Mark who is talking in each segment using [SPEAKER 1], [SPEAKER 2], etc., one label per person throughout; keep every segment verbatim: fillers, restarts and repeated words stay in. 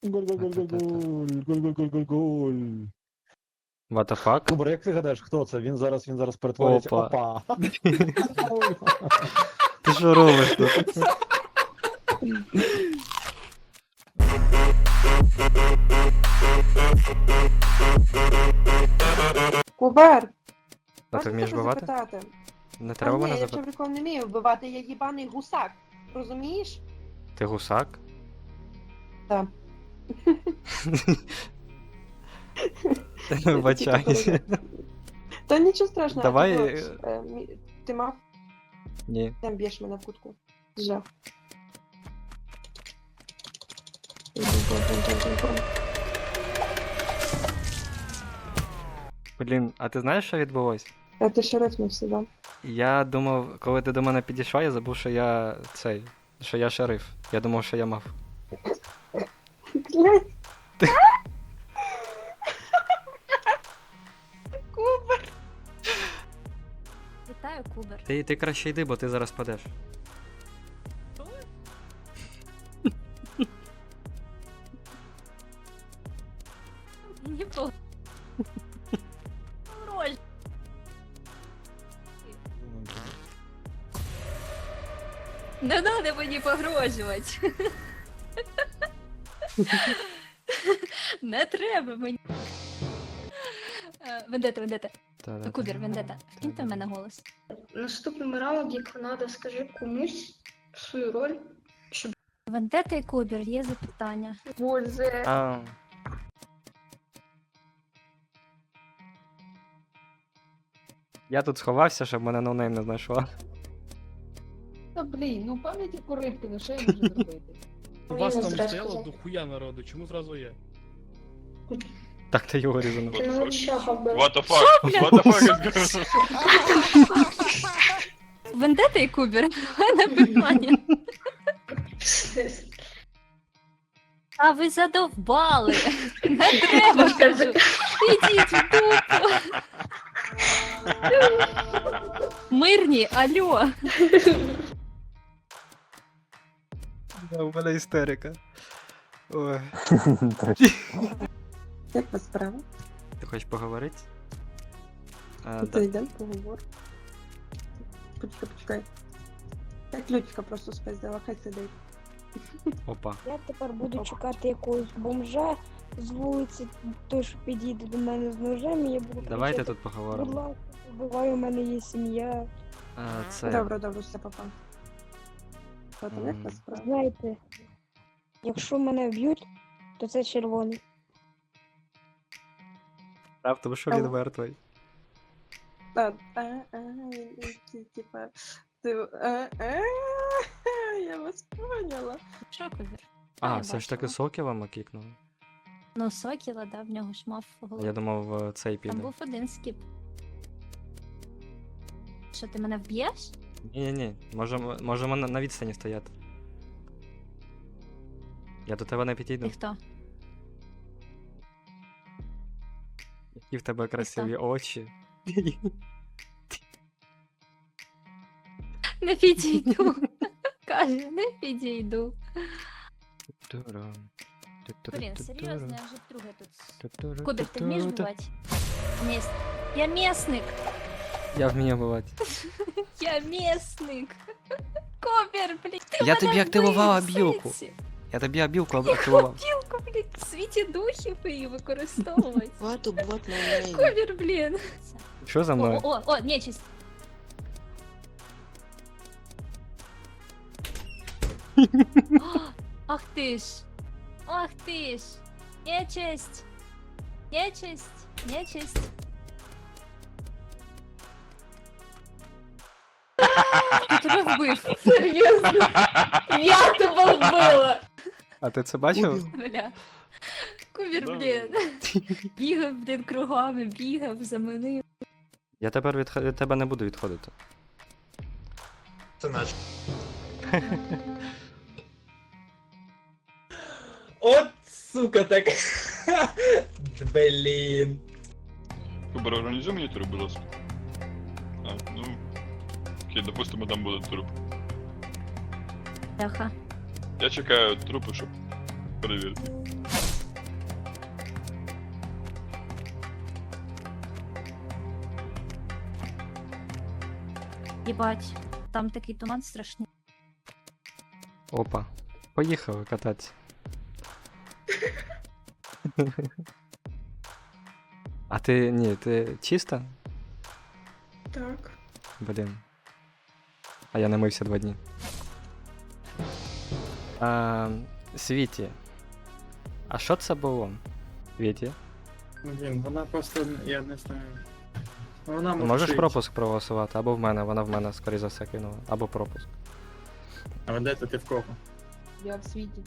[SPEAKER 1] Голь-голь-голь-голь-голь, голь-голь-голь-голь-голь.
[SPEAKER 2] What the fuck?
[SPEAKER 1] Кубер, як ти гадаєш, хто це? Він зараз, він зараз перетворюється.
[SPEAKER 2] Опа.
[SPEAKER 1] Опа.
[SPEAKER 2] Ти що робиш тут?
[SPEAKER 3] Кубер!
[SPEAKER 2] А ти
[SPEAKER 3] можна
[SPEAKER 2] вмієш
[SPEAKER 3] тебе
[SPEAKER 2] вбивати?
[SPEAKER 3] запитати?
[SPEAKER 2] Не
[SPEAKER 3] Та
[SPEAKER 2] треба
[SPEAKER 3] ні,
[SPEAKER 2] мене
[SPEAKER 3] я
[SPEAKER 2] запитати.
[SPEAKER 3] чоловіком не вмію вбивати, я їбаний гусак. Розумієш?
[SPEAKER 2] Ти гусак?
[SPEAKER 3] Так.
[SPEAKER 2] Вибачаюсь.
[SPEAKER 3] Та нічого страшного.
[SPEAKER 2] Давай,
[SPEAKER 3] а
[SPEAKER 2] е,
[SPEAKER 3] ти, от, е, мі- ти мав,
[SPEAKER 2] Ні.
[SPEAKER 3] там б'єш мене в кутку. Жах.
[SPEAKER 2] Блін, а ти знаєш, що відбулось?
[SPEAKER 3] А ти ще рифнувся, да?
[SPEAKER 2] Я думав, коли ти до мене підійшла, я забув, що я цей. Що я шериф. Я думав, що я мав.
[SPEAKER 3] Блядь. Кубер!
[SPEAKER 4] Вітаю, Кубер.
[SPEAKER 2] Ти, ти краще йди, бо ти зараз падеш.
[SPEAKER 4] Мені по... Роль. Не надо мені погрожувати. Не треба мені. Е, Вендета, вендета.
[SPEAKER 2] Та-да-да.
[SPEAKER 4] Кубер, вендета. Киньте в мене голос.
[SPEAKER 5] Наступним раунд, як треба, скажи комусь свою роль.
[SPEAKER 4] Вендета і Кубер, є запитання.
[SPEAKER 5] Боже.
[SPEAKER 2] А, я тут сховався, щоб мене ноунейм не знайшла.
[SPEAKER 6] Та блін, ну пам'яті поривки, ну що я можу зробити?
[SPEAKER 5] Ну,
[SPEAKER 6] У
[SPEAKER 5] я
[SPEAKER 6] вас
[SPEAKER 5] не
[SPEAKER 6] там
[SPEAKER 5] знаю,
[SPEAKER 6] стояло
[SPEAKER 5] сказати.
[SPEAKER 6] дохуя народу, чому зразу я?
[SPEAKER 2] Так, ти його різано.
[SPEAKER 5] Ти не чого вбив.
[SPEAKER 7] What the fuck? What the fuck is going on?
[SPEAKER 4] Вендета і Кубер, в мене питання. А ви задовбали. Не треба, кажу. Ідіть в дупу. Мирні, алло.
[SPEAKER 2] У мене істерика. Ой.
[SPEAKER 3] Як вас справа?
[SPEAKER 2] Ти хочеш поговорити? А,
[SPEAKER 3] Ти
[SPEAKER 2] да.
[SPEAKER 3] йдемо, поговор. Почекай, почекай. Я ключика просто спиздила, хай сидить.
[SPEAKER 2] Опа.
[SPEAKER 8] Я тепер буду чекати якогось бомжа з вулиці, той, що підійде до мене з ножем, і я буду
[SPEAKER 2] Давайте
[SPEAKER 8] кричати,
[SPEAKER 2] тут
[SPEAKER 8] будь
[SPEAKER 2] поговоримо.
[SPEAKER 8] ласка, вбивай, у мене є сім'я.
[SPEAKER 2] А, це...
[SPEAKER 3] Добре, добре, все, папа. От, як
[SPEAKER 2] М.
[SPEAKER 3] вас справа?
[SPEAKER 8] Знаєте, якщо мене вб'ють, то це червоний.
[SPEAKER 2] Правда, тому що він
[SPEAKER 3] Ау.
[SPEAKER 2] мертвий.
[SPEAKER 3] А, а, а, ті- типа, ти, а, а, я вас поняла.
[SPEAKER 4] Що, Кубер?
[SPEAKER 2] А,
[SPEAKER 4] я
[SPEAKER 2] все ж таки
[SPEAKER 4] бачила.
[SPEAKER 2] Сокіла кікнули.
[SPEAKER 4] Ну, Сокіла, да, в нього ж мав голову.
[SPEAKER 2] Я думав, е, цей
[SPEAKER 4] Там
[SPEAKER 2] піде.
[SPEAKER 4] був один скіп. Що, ти мене вб'єш?
[SPEAKER 2] Ні-ні-ні, можемо, можемо на, на відстані стояти. Я до тебе не підійду.
[SPEAKER 4] Ти хто?
[SPEAKER 2] Які в тебе красиві очі.
[SPEAKER 4] Не підійду. Каже, не підійду.
[SPEAKER 2] Турам.
[SPEAKER 4] Блін, серйозно, я вже вдруге тут.
[SPEAKER 2] Ту-туру,
[SPEAKER 4] Кубер, ти вмієш
[SPEAKER 2] ту-туру.
[SPEAKER 4] вбивати? Міс... Я місник!
[SPEAKER 2] Я вмію вбивати.
[SPEAKER 4] Я місник! Кубер, блін! Ти
[SPEAKER 2] Я
[SPEAKER 4] мене
[SPEAKER 2] тобі активувала
[SPEAKER 4] вбив,
[SPEAKER 2] білку.
[SPEAKER 4] сенсі.
[SPEAKER 2] Я тобі абілку активував.
[SPEAKER 4] Білку, блін, в світі духів її використовувати.
[SPEAKER 9] Хвату бот на неї.
[SPEAKER 4] Кубер, блін.
[SPEAKER 2] Що за
[SPEAKER 4] О,
[SPEAKER 2] мною?
[SPEAKER 4] о, о, нечисть. О, ах ти ж. Ах ти ж. Нечисть. Нечисть. Нечисть. Я тебе вбив.
[SPEAKER 5] Серйозно? Я тебе вбила!
[SPEAKER 2] А ти це бачив?
[SPEAKER 4] Бля. Кубер,
[SPEAKER 7] Да.
[SPEAKER 4] блін. Бігав, блін, кругами, бігав, заманив.
[SPEAKER 2] Я тепер від, від тебе не буду відходити.
[SPEAKER 7] Це наш.
[SPEAKER 9] От сука так. Блін.
[SPEAKER 7] Кубер, організуй мені труп, будь ласка. А, ну... Окей, допустимо, там буде труп.
[SPEAKER 4] Бляха.
[SPEAKER 7] Я чекаю трупи, щоб Перевірте.
[SPEAKER 4] Єбать, там такий туман страшний.
[SPEAKER 2] Опа. Поїхали кататися. А ти ні, ти чиста?
[SPEAKER 5] Так.
[SPEAKER 2] Блін. А я не мився два дні. А, Світі. А що це було? Світі?
[SPEAKER 10] Блін, вона просто, я не знаю. Вона
[SPEAKER 2] Можеш
[SPEAKER 10] мовчить.
[SPEAKER 2] пропуск проголосувати? Або в мене, вона в мене, скоріше за все, кинула. Або пропуск.
[SPEAKER 10] А де ти в кого?
[SPEAKER 6] Я в світі.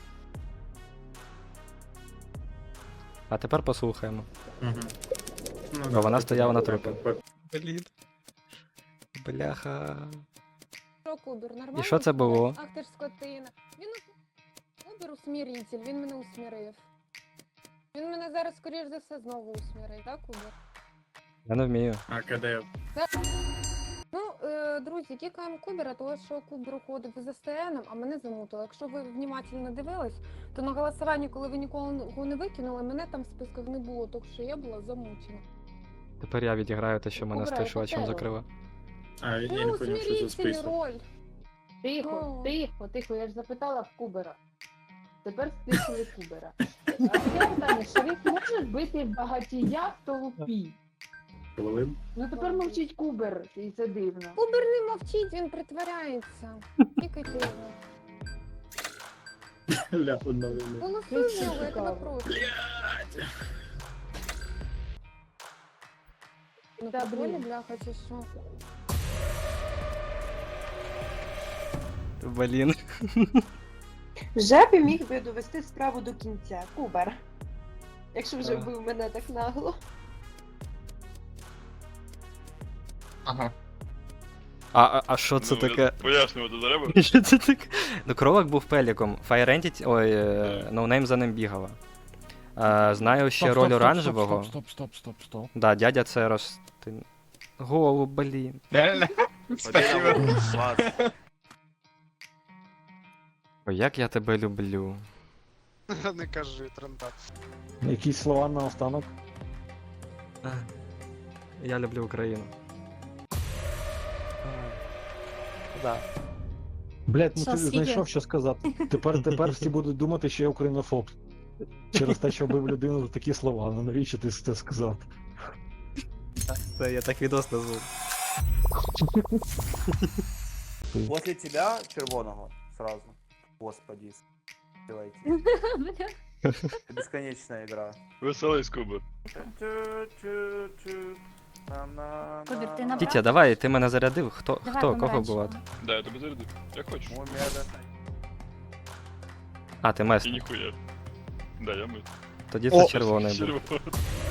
[SPEAKER 2] А тепер послухаємо.
[SPEAKER 10] Угу. Ну,
[SPEAKER 2] Бо вона стояла на
[SPEAKER 10] трупі.
[SPEAKER 2] трупі. Блін. Бляха.
[SPEAKER 11] Що, Кубер, нормально?
[SPEAKER 2] І що це було?
[SPEAKER 11] Ах ти ж скотина. Він у- Кубер усміритель, він мене усмірив. Він мене зараз, скоріш за все, знову усмірить, так, Кубер?
[SPEAKER 2] Я не вмію.
[SPEAKER 10] А КД?
[SPEAKER 11] Ну, е, друзі, кікаємо Кубера, тому що Кубер уходив за СТНом, а мене замутило. Якщо ви внимательно дивились, то на голосуванні, коли ви ніколи його не викинули, мене там в списках не було, так що я була замучена.
[SPEAKER 2] Тепер я відіграю те, що мене
[SPEAKER 11] Кубра,
[SPEAKER 2] стишувачем
[SPEAKER 11] яка
[SPEAKER 2] закрила.
[SPEAKER 10] А, я
[SPEAKER 11] Ну,
[SPEAKER 10] не поняв, що за
[SPEAKER 11] усміритель
[SPEAKER 10] список.
[SPEAKER 11] роль.
[SPEAKER 6] Тихо,
[SPEAKER 11] Ну.
[SPEAKER 6] тихо, тихо, я ж запитала в Кубера. Тепер стиснули Кубера. А таке питання, шериф може бити багатія в толпі?
[SPEAKER 10] Хвилин?
[SPEAKER 6] Ну тепер мовчить Кубер, і це дивно.
[SPEAKER 11] Кубер не мовчить, він притворяється. Кікайте його.
[SPEAKER 10] Ля, одна вина.
[SPEAKER 11] Голосуй в нього, я тебе прошу. Ну,
[SPEAKER 6] Та,
[SPEAKER 11] подвоє,
[SPEAKER 6] блін.
[SPEAKER 11] бляха, чи що?
[SPEAKER 2] Блін.
[SPEAKER 3] Вже би міг би довести справу до кінця, Кубер. Якщо вже
[SPEAKER 2] Ага.
[SPEAKER 3] бив мене так нагло.
[SPEAKER 10] Ага.
[SPEAKER 2] А, а, а що це
[SPEAKER 7] Ну,
[SPEAKER 2] таке?
[SPEAKER 7] я- Пояснювати треба?
[SPEAKER 2] Що це таке? Ну, кролик був пеліком. Fire Entity, ой, е, ноунейм за ним бігала. Е, знаю ще роль оранжевого.
[SPEAKER 1] Стоп, стоп, стоп, стоп.
[SPEAKER 2] Да, дядя це роз... ти- Голуб, блін.
[SPEAKER 10] Реально? Спасибо.
[SPEAKER 2] Ой, як я тебе люблю.
[SPEAKER 9] Не кажи, тренда.
[SPEAKER 1] Якісь слова на останок?
[SPEAKER 2] Я люблю Україну. Да.
[SPEAKER 1] Блять, ну
[SPEAKER 4] Що,
[SPEAKER 1] ти
[SPEAKER 4] скільки?
[SPEAKER 1] знайшов, що сказати. Тепер, тепер всі будуть думати, що я українофоб. Через те, що вбив людину такі слова. Ну навіщо ти це сказав?
[SPEAKER 2] Це я так відос назву.
[SPEAKER 9] После тебя червоного сразу. Господи. Делайте.
[SPEAKER 4] Бля.
[SPEAKER 9] Бесконечная игра.
[SPEAKER 7] Веселий Кубер.
[SPEAKER 4] Кубер, ти набрав?
[SPEAKER 2] Тітя, давай, ти мене зарядив. Хто,
[SPEAKER 4] Давай
[SPEAKER 2] хто, кого
[SPEAKER 4] помаранчевого.
[SPEAKER 2] було?
[SPEAKER 7] Да, я тебе зарядив. Як хочеш.
[SPEAKER 2] А, ти
[SPEAKER 7] І
[SPEAKER 2] месник.
[SPEAKER 7] ніхуя. Да, я ми.
[SPEAKER 2] Тоді це червоний був.
[SPEAKER 7] Червоний.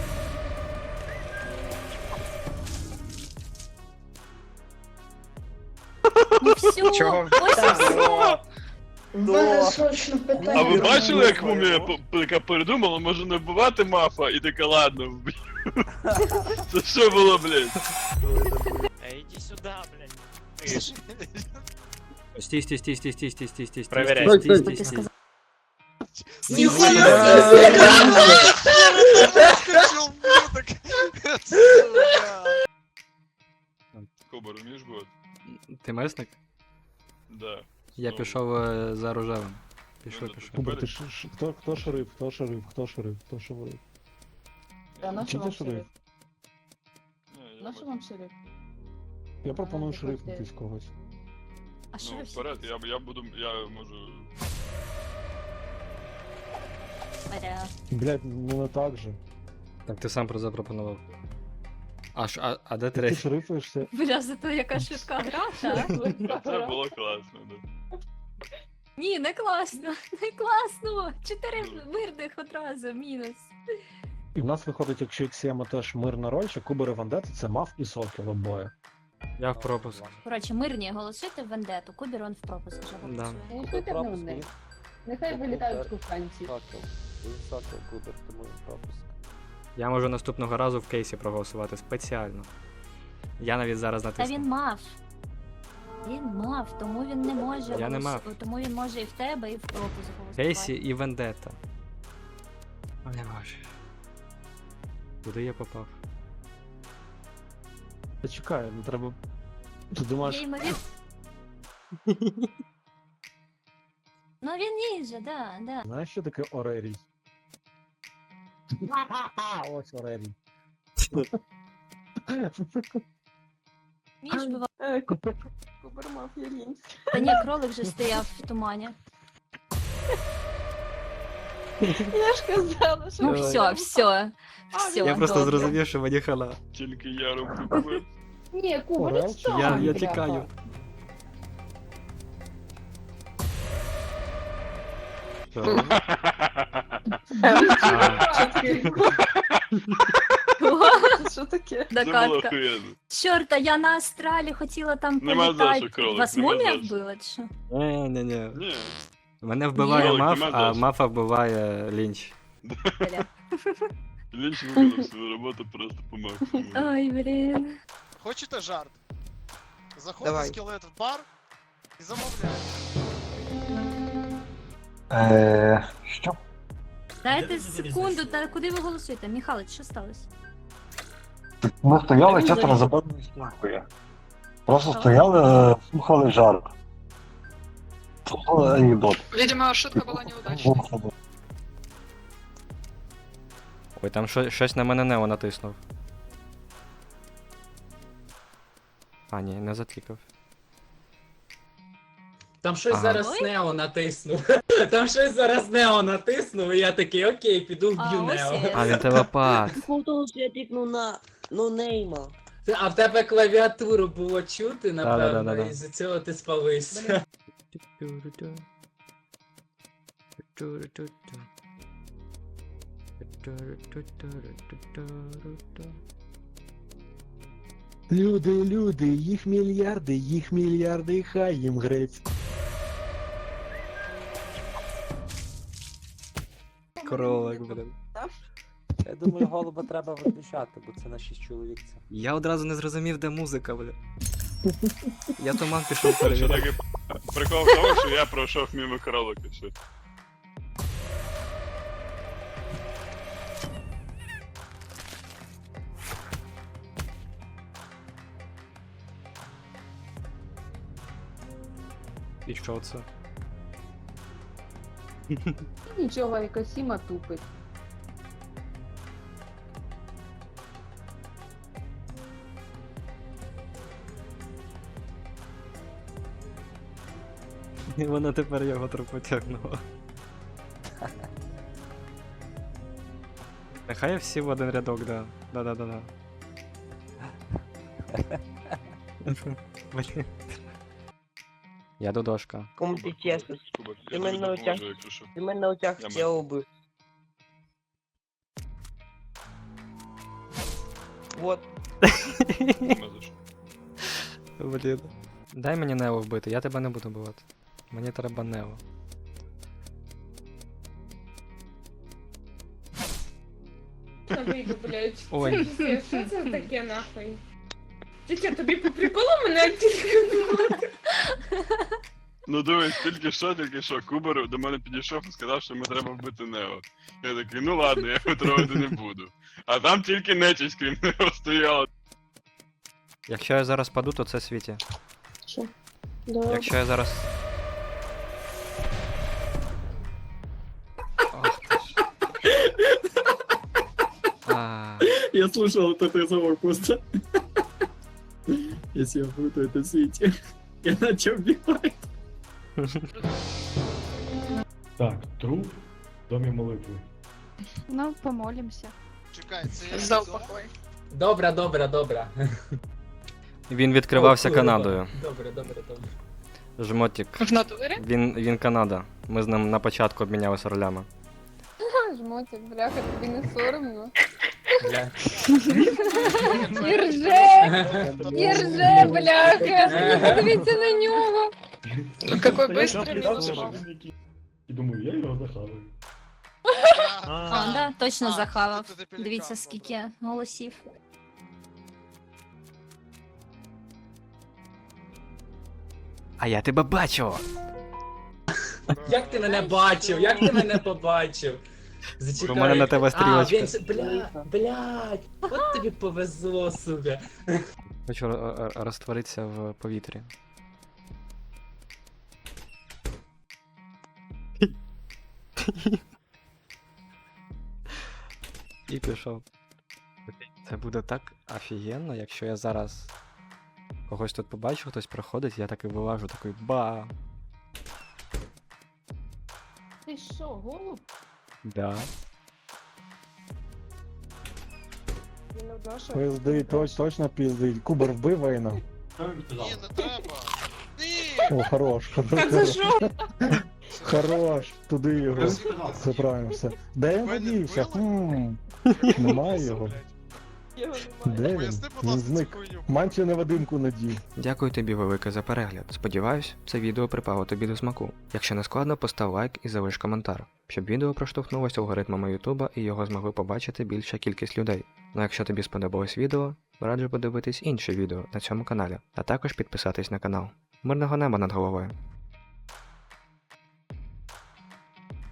[SPEAKER 4] Ну все,
[SPEAKER 10] Чого?
[SPEAKER 4] ось і все.
[SPEAKER 5] У мене срочно
[SPEAKER 7] А
[SPEAKER 5] питання.
[SPEAKER 7] ви бачили, як
[SPEAKER 9] Ну,
[SPEAKER 7] мумія
[SPEAKER 9] ну.
[SPEAKER 7] по- яка передумала, може не вбивати мафа, і така, ладно, вб'ю. Це що було, блядь?
[SPEAKER 9] Иди сюда, блядь.
[SPEAKER 2] Стій, стій, стій, стій, стій, стій, стій, стій,
[SPEAKER 9] Проверяй.
[SPEAKER 2] стій, стій, стій,
[SPEAKER 4] Ти
[SPEAKER 2] стій.
[SPEAKER 4] сказав.
[SPEAKER 7] Кубер, вмієш бувати?
[SPEAKER 2] Ти месник?
[SPEAKER 7] Да.
[SPEAKER 2] Я
[SPEAKER 7] Ну,
[SPEAKER 2] пішов е, за рожевим. Пішов,
[SPEAKER 7] Ну,
[SPEAKER 2] пішов.
[SPEAKER 1] Кубер, ти ш, ш, хто, хто шериф? Хто шериф? Хто шериф? Хто шериф?
[SPEAKER 6] Та на
[SPEAKER 1] Чи
[SPEAKER 6] що
[SPEAKER 1] ти
[SPEAKER 6] вам
[SPEAKER 1] шериф?
[SPEAKER 6] шериф?
[SPEAKER 7] Ні, я
[SPEAKER 6] На що
[SPEAKER 7] бачу.
[SPEAKER 6] вам шериф?
[SPEAKER 1] Я пропоную
[SPEAKER 6] А,
[SPEAKER 1] шерифнутись когось.
[SPEAKER 4] А що
[SPEAKER 7] Ну,
[SPEAKER 4] ви
[SPEAKER 7] вперед, я, я буду, я можу...
[SPEAKER 4] Вперед.
[SPEAKER 1] Блять, ну не так же.
[SPEAKER 2] Так ти сам про запропонував. А, ш- а, а де
[SPEAKER 1] Ти
[SPEAKER 2] третій?
[SPEAKER 1] шерифуєшся.
[SPEAKER 4] Бля, зато яка швидка гра, так?
[SPEAKER 7] Це було класно, да.
[SPEAKER 4] Ні, не класно, не класно. Чотири мирних одразу, мінус.
[SPEAKER 1] І в нас виходить, якщо Іксіема теж мирна роль, що Кубер і Вандета це мав і сокіл обоє.
[SPEAKER 2] Я в пропуск.
[SPEAKER 4] Коротше, мирні голосуйте в вендету, Кубір он в пропуск вже
[SPEAKER 2] Да.
[SPEAKER 4] голосує.
[SPEAKER 6] Голосуйте в них. Нехай вилітають куханці.
[SPEAKER 2] Я можу наступного разу в кейсі проголосувати спеціально. Я навіть зараз
[SPEAKER 4] Та
[SPEAKER 2] натисну.
[SPEAKER 4] він мав. Він мав, тому він не може.
[SPEAKER 2] Я не
[SPEAKER 4] голос-
[SPEAKER 2] мав.
[SPEAKER 4] Тому він може і в тебе, і в пропуск голосувати.
[SPEAKER 2] Кейсі і Вендетта. Ой, боже. Куди я попав?
[SPEAKER 1] Та чекай, ну треба. Ти думаєш,
[SPEAKER 4] Я ймовір... Ну він ніндзя, да, да.
[SPEAKER 1] знаєш, що таке Орерій? Ось Орерій.
[SPEAKER 4] Між бува...
[SPEAKER 3] Е, Кубер Кубер мав я лінь.
[SPEAKER 4] Та ні, кролик вже стояв в тумані.
[SPEAKER 3] Я ж казала, що...
[SPEAKER 4] Ну
[SPEAKER 2] Давай.
[SPEAKER 4] все, все. Все,
[SPEAKER 2] Я просто
[SPEAKER 4] добре.
[SPEAKER 2] зрозумів, що мені хана.
[SPEAKER 7] Тільки я роблю кубер.
[SPEAKER 6] Ні, Кубер,
[SPEAKER 1] Орел?
[SPEAKER 6] відстань,
[SPEAKER 2] Я, я
[SPEAKER 6] бляха.
[SPEAKER 2] тікаю. Що?
[SPEAKER 3] Що таке?
[SPEAKER 7] Це було
[SPEAKER 4] Докатка.
[SPEAKER 7] охуєнно.
[SPEAKER 4] Чорта, я на астралі хотіла там
[SPEAKER 7] Нема за
[SPEAKER 4] політати.
[SPEAKER 7] що, кролик,
[SPEAKER 4] Вас
[SPEAKER 7] нема
[SPEAKER 4] мумія
[SPEAKER 7] за що.
[SPEAKER 4] вбила, чи що?
[SPEAKER 2] Ні, ні, ні.
[SPEAKER 7] Ні.
[SPEAKER 2] Мене вбиває
[SPEAKER 7] Кролик,
[SPEAKER 2] маф,
[SPEAKER 7] нема
[SPEAKER 2] а
[SPEAKER 7] за що.
[SPEAKER 2] мафа вбиває лінч.
[SPEAKER 4] Бля.
[SPEAKER 7] Лінч виконав свою роботу просто по максимуму.
[SPEAKER 4] Ой, блін.
[SPEAKER 9] Хочете жарт? Заходить
[SPEAKER 3] Давай.
[SPEAKER 9] скелет в бар і замовляє.
[SPEAKER 10] Е, що?
[SPEAKER 4] Дайте секунду, та куди ви голосуєте? Михайлович, що сталося?
[SPEAKER 10] Ми стояли чисто за забавною стінкою. Просто стояли, е, слухали жарт. Слухали анекдот.
[SPEAKER 5] Видимо, шутка була неудачна.
[SPEAKER 2] Ой, там що, щось на мене Нео натиснув. А, ні, не заклікав.
[SPEAKER 12] Там щось
[SPEAKER 2] Ага.
[SPEAKER 12] зараз
[SPEAKER 4] Ой.
[SPEAKER 12] Нео натиснув. Там щось зараз Нео натиснув, і я такий, окей, піду
[SPEAKER 4] А,
[SPEAKER 12] вб'ю
[SPEAKER 4] ось
[SPEAKER 12] Нео.
[SPEAKER 4] є.
[SPEAKER 2] А, він телепат.
[SPEAKER 3] Того, що я тикнув на нонейма.
[SPEAKER 12] А в тебе клавіатуру було чути, напевно,
[SPEAKER 2] Да-да-да-да-да.
[SPEAKER 12] і з цього ти спалився.
[SPEAKER 1] Люди, люди, їх мільярди, їх мільярди, хай їм грець.
[SPEAKER 2] Кролик, блин.
[SPEAKER 9] Я думаю, голуба треба виключати, бо це на шість чоловік. Це.
[SPEAKER 2] Я одразу не зрозумів, де музика, бля. Я туман пішов
[SPEAKER 7] Що
[SPEAKER 2] перевіряти.
[SPEAKER 7] таке прикол в тому, що я пройшов мимо кролика. Все.
[SPEAKER 2] І що це?
[SPEAKER 6] Нічого, Екосіма тупить.
[SPEAKER 2] І вона тепер його трохи потягнула. Нехай всі в один рядок, да. Да-да-да-да. Блін. Я додошка.
[SPEAKER 3] Кому ти чесно?
[SPEAKER 7] Кубер,
[SPEAKER 3] Ти
[SPEAKER 7] я
[SPEAKER 3] мене
[SPEAKER 7] тобі
[SPEAKER 3] на очах.
[SPEAKER 7] допоможу, якщо що.
[SPEAKER 3] Ти мене на очах
[SPEAKER 7] Я
[SPEAKER 3] тіло вбив. Вот.
[SPEAKER 7] Нема за що.
[SPEAKER 2] Блін. Дай мені Нео вбити, я тебе не буду бувати. Мені треба Нео.
[SPEAKER 11] Та вийду, блядь.
[SPEAKER 2] Ой.
[SPEAKER 11] Це, що це таке нахуй? Тільки тобі по приколу мене тільки.
[SPEAKER 7] Ну дивись, тільки що, тільки що, Кубер до мене підійшов і сказав, що мені треба вбити Нео. Я такий, ну ладно, я його трогати не буду. А там тільки нечисть, крім Нео, стояла.
[SPEAKER 2] Якщо я зараз паду, то це світі.
[SPEAKER 3] Що? Давай.
[SPEAKER 2] Якщо я зараз. Ох ти ж. А,
[SPEAKER 10] Я слушал вот этот разговор просто. Если я буду, то это Свити. Я начал бегать.
[SPEAKER 1] Так, труп в домі молитви.
[SPEAKER 8] Ну, помолимся.
[SPEAKER 9] Чекай, це я
[SPEAKER 5] Здав
[SPEAKER 9] відомо?
[SPEAKER 5] покой.
[SPEAKER 12] Добре, добре, добре.
[SPEAKER 2] він відкривався
[SPEAKER 12] О, курва.
[SPEAKER 2] Канадою.
[SPEAKER 12] Добре, добре, добре.
[SPEAKER 2] Жмотік.
[SPEAKER 5] В натурі?
[SPEAKER 2] Він, він Канада. Ми з ним на початку обмінялися ролями.
[SPEAKER 11] Жмотик, бляха, тобі не соромно.
[SPEAKER 12] Бля.
[SPEAKER 11] І рже! І рже, бляха! Подивіться на нього!
[SPEAKER 5] Какой быстрый минус.
[SPEAKER 1] І думаю, я його захаваю.
[SPEAKER 4] А, да, точно
[SPEAKER 9] А,
[SPEAKER 4] захавав.
[SPEAKER 9] це ти пелікан,
[SPEAKER 4] Дивіться,
[SPEAKER 9] добре.
[SPEAKER 4] скільки голосів.
[SPEAKER 2] А я тебе бачу!
[SPEAKER 12] Як ти мене бачив? Як ти мене побачив? Зачекай.
[SPEAKER 2] У мене на тебе
[SPEAKER 12] А,
[SPEAKER 2] стрілочка.
[SPEAKER 12] він... ж- Бля, блядь, от тобі повезло, сука.
[SPEAKER 2] Хочу ро- ро- розтворитися в повітрі. І пішов. Це буде так офігенно, якщо я зараз когось тут побачу, хтось проходить, я так і вилажу, такий ба.
[SPEAKER 6] Ти що, голуб?
[SPEAKER 2] Да.
[SPEAKER 8] Він одна, що
[SPEAKER 1] Пизди, точ, точно пизди. Кубер вбив Вейна.
[SPEAKER 13] Ні, не треба.
[SPEAKER 1] О, хорош, хорош.
[SPEAKER 3] Так за що?
[SPEAKER 1] Хорош, туди його. Все правильно, все. Де він подівся? Хм, немає його.
[SPEAKER 3] Його немає.
[SPEAKER 1] Де він?
[SPEAKER 13] Поясни, будь
[SPEAKER 1] Він
[SPEAKER 13] ласка, цю
[SPEAKER 1] зник.
[SPEAKER 13] хуйню.
[SPEAKER 1] Манчі невидимку надів.
[SPEAKER 2] Дякую тобі велике за перегляд. Сподіваюсь, це відео припало тобі до смаку. Якщо не складно, постав лайк і залиш коментар, щоб відео проштовхнулося алгоритмами Ютуба і його змогли побачити більша кількість людей. Ну а якщо тобі сподобалось відео, раджу подивитись інші відео на цьому каналі, а також підписатись на канал. Мирного неба над головою!